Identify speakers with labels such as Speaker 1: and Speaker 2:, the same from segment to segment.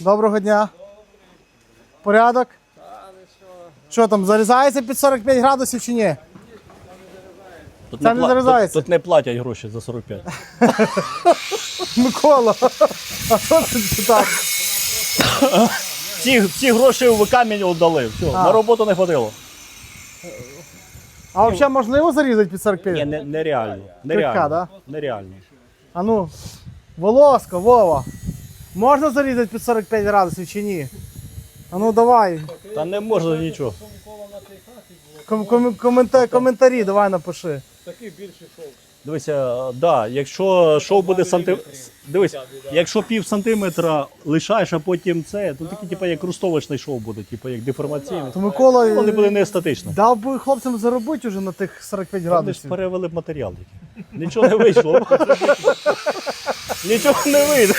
Speaker 1: Доброго дня. Порядок? Що там, зарізається під 45 градусів чи ні? Це не зарізається.
Speaker 2: Тут не платять гроші за 45.
Speaker 1: Микола, а що це так?
Speaker 2: Всі гроші в камінь віддали. Все, на роботу не ходило.
Speaker 1: А взагалі можливо зарізати під 45?
Speaker 2: Ні, нереально.
Speaker 1: Крика, да?
Speaker 2: Нереально.
Speaker 1: А ну, Волосько, Вова, можна зарізати під 45 градусів чи ні? А ну давай,
Speaker 2: Та не можна нічого.
Speaker 1: коментарі давай напиши.
Speaker 2: Дивися, да, якщо шов буде Дивись, якщо пів сантиметра лишаєш, а потім це, то такий, типу, як рустовочний шов буде, типу, як деформаційний.
Speaker 1: То Микола
Speaker 2: Воно не буде не естетично.
Speaker 1: дав би хлопцям заробити вже на тих 45
Speaker 2: Вони ж
Speaker 1: градусів.
Speaker 2: перевели б матеріал. Нічого не вийшло. Нічого не вийде.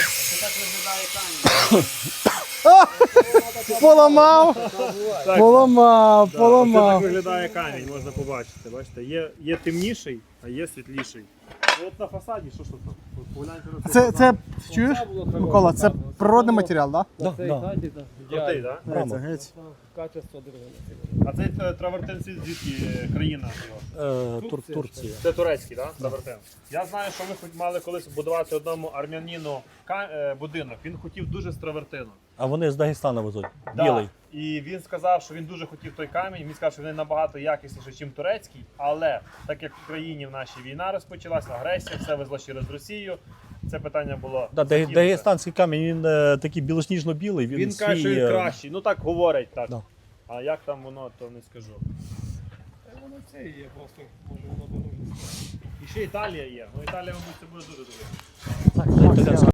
Speaker 1: Поламав, поламав,
Speaker 3: Це так
Speaker 1: поламав.
Speaker 3: виглядає камінь, можна побачити. Бачите, є темніший, а є світліший. От на фасаді, що ж тут? Погляньте на
Speaker 1: Це чуєш, Микола, це природний матеріал, так?
Speaker 3: крутий, так?
Speaker 1: Да? Геть.
Speaker 3: А цей травертин звідки країна?
Speaker 2: Турція.
Speaker 3: Це турецький, так? Травертин. Я знаю, що ми мали колись будувати одному армянину будинок. Він хотів дуже з травертину.
Speaker 2: А вони з Дагестана везуть.
Speaker 3: Да.
Speaker 2: Білий.
Speaker 3: І він сказав, що він дуже хотів той камінь. Він сказав, що він набагато якісніший, ніж турецький. Але так як в країні в нашій війна розпочалася, агресія, все везло через Росію. Це питання було.
Speaker 2: Да, дагестанський камінь, він такий білосніжно-білий.
Speaker 3: Він каже, що він кращий. Ну так говорять так.
Speaker 2: Да.
Speaker 3: А як там воно, то не скажу.
Speaker 4: Воно це є просто, може воно дороже.
Speaker 3: І ще Італія є. Ну Італія, мабуть, це буде дуже добре.
Speaker 2: Так,